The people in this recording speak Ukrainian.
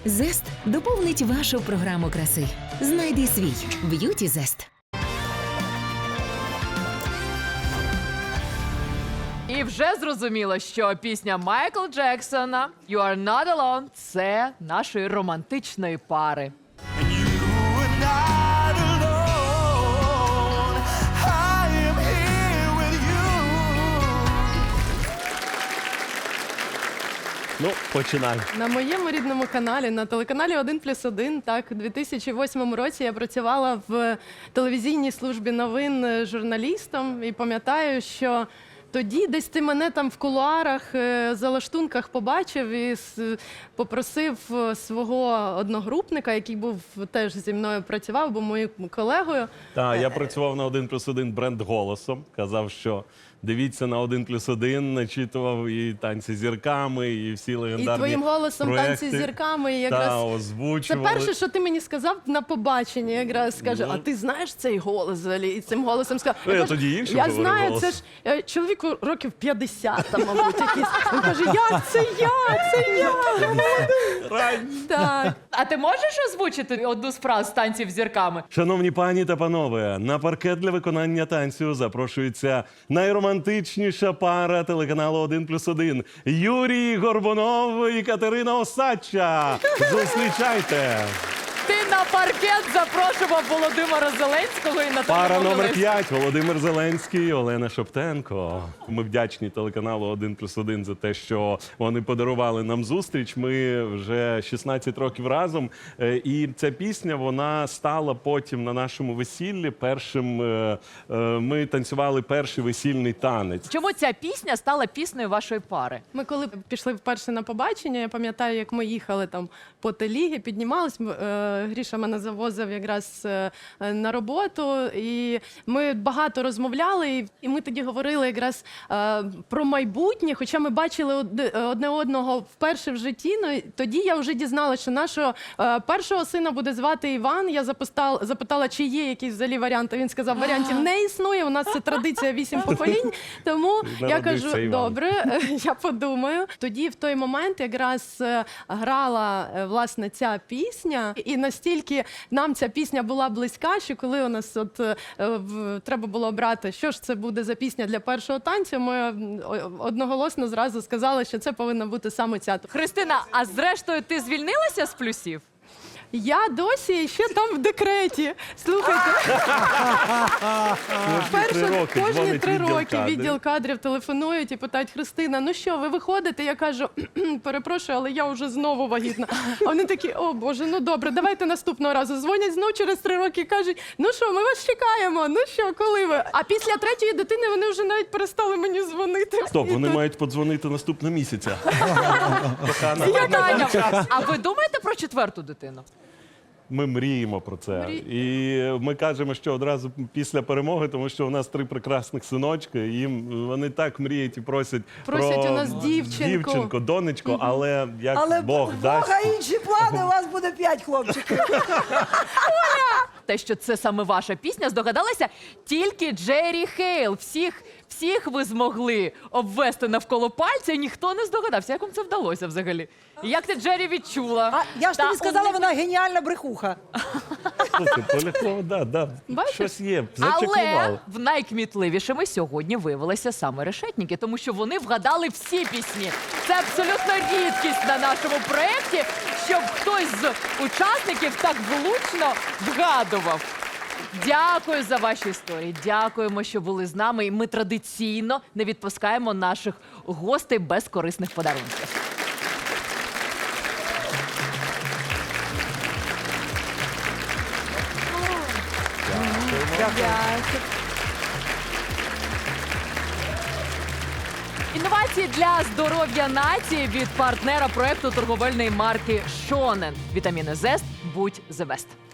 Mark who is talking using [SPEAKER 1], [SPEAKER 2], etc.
[SPEAKER 1] Зест доповнить вашу програму краси. Знайди свій Б'юті Зест.
[SPEAKER 2] І вже зрозуміло, що пісня Майкла Джексона «You are not alone» – це нашої романтичної пари.
[SPEAKER 3] Ну, починай.
[SPEAKER 4] На моєму рідному каналі, на телеканалі 1+1, так, у 2008 році я працювала в телевізійній службі новин журналістом і пам'ятаю, що тоді десь ти мене там в кулуарах, за лаштунках побачив і попросив свого одногрупника, який був теж зі мною працював, був моїм колегою.
[SPEAKER 3] Так, я працював на 1+1 бренд «Голосом». Казав, що дивіться на 1+1, начитував і «Танці з зірками», і всі легендарні
[SPEAKER 4] І твоїм голосом
[SPEAKER 3] проекти.
[SPEAKER 4] «Танці з зірками» якраз...
[SPEAKER 3] Та,
[SPEAKER 4] Це
[SPEAKER 3] озвучували.
[SPEAKER 4] перше, що ти мені сказав на побаченні, якраз скаже, а ти знаєш цей голос взагалі? І цим голосом сказав.
[SPEAKER 3] Ну, я тоді іншим
[SPEAKER 4] Я
[SPEAKER 3] говорив
[SPEAKER 4] знаю,
[SPEAKER 3] голос.
[SPEAKER 4] це ж чоловіку років 50, там, мабуть, якийсь. Він каже, як це я? Це я! Так.
[SPEAKER 2] А ти можеш озвучити одну з фраз «Танців з зірками»?
[SPEAKER 3] Шановні пані та панове, на паркет для виконання танцю запрошується найромантичніша пара телеканалу 1+1 – Юрій Горбунов і Катерина Осадча. Зустрічайте!
[SPEAKER 2] Ти на паркет запрошував Володимира Зеленського і Наталію
[SPEAKER 3] Пара номер
[SPEAKER 2] Могилевську.
[SPEAKER 3] 5 – Володимир Зеленський, Олена Шоптенко. Ми вдячні телеканалу 1+1 за те, що вони подарували нам зустріч. Ми вже 16 років разом. І ця пісня, вона стала потім на нашому весіллі першим. Ми танцювали перший весільний танець.
[SPEAKER 2] Чому ця пісня стала піснею вашої пари?
[SPEAKER 4] Ми коли пішли вперше на побачення, я пам'ятаю, як ми їхали там по телігі, піднімались, Гріша мене завозив якраз на роботу, і ми багато розмовляли, і ми тоді говорили якраз про майбутнє, хоча ми бачили одне одного вперше в житті, но тоді я вже дізналася, що нашого першого сина буде звати Іван. Я запитала, чи є якісь взагалі варіанти. Він сказав, варіантів не існує, у нас це традиція 8 поколінь, тому я кажу, добре, я подумаю. Тоді в той момент якраз грала, власне, ця пісня, і настільки нам ця пісня була близька, що коли у нас треба було обрати, що ж це буде за пісня для першого танцю, ми одноголосно зразу сказали, що це повинна бути саме ця.
[SPEAKER 2] Христина, а зрештою ти звільнилася з плюсів?
[SPEAKER 4] Я досі ще там в декреті. Слухайте. Кожні 3 роки відділ кадрів телефонують і питають, Христина, ну що, ви виходите? Я кажу, перепрошую, але я вже знову вагітна. А вони такі, о Боже, ну добре, давайте наступного разу. Дзвонять знову через 3 роки і кажуть, ну що, ми вас чекаємо, ну що, коли ви? А після 3-ї дитини вони вже навіть перестали мені дзвонити.
[SPEAKER 3] Стоп, вони мають подзвонити наступного місяця.
[SPEAKER 2] Питання. А ви думаєте про 4-ту дитину?
[SPEAKER 3] Ми мріємо про це. І ми кажемо, що одразу після перемоги, тому що у нас 3 прекрасних синочки, і їм вони так мріють і просять
[SPEAKER 4] Просять
[SPEAKER 3] про
[SPEAKER 4] у нас дівчинку.
[SPEAKER 3] донечку, але як Бог дасть.
[SPEAKER 5] Бога інші плани, у вас буде 5 хлопчиків.
[SPEAKER 2] Те, що це саме ваша пісня, здогадалася тільки Джері Хейл. Всіх ви змогли обвести навколо пальця, і ніхто не здогадався. Як вам це вдалося взагалі? І як ти Джері відчула?
[SPEAKER 5] А я ж тобі сказала, вона геніальна брехуха.
[SPEAKER 3] Слухай, Полякова, да,
[SPEAKER 4] Бачиш?
[SPEAKER 3] щось є,
[SPEAKER 2] Але
[SPEAKER 3] зачеклував.
[SPEAKER 2] в найкмітливішими сьогодні виявилися саме решетники, тому що вони вгадали всі пісні. Це абсолютно рідкість на нашому проєкті, щоб хтось з учасників так влучно вгадував. Дякую за ваші історії, дякуємо, що були з нами. І ми традиційно не відпускаємо наших гостей без корисних подарунків. Інновації для здоров'я нації від партнера проекту торговельної марки Шонен. Вітаміни Зест. Будь the best.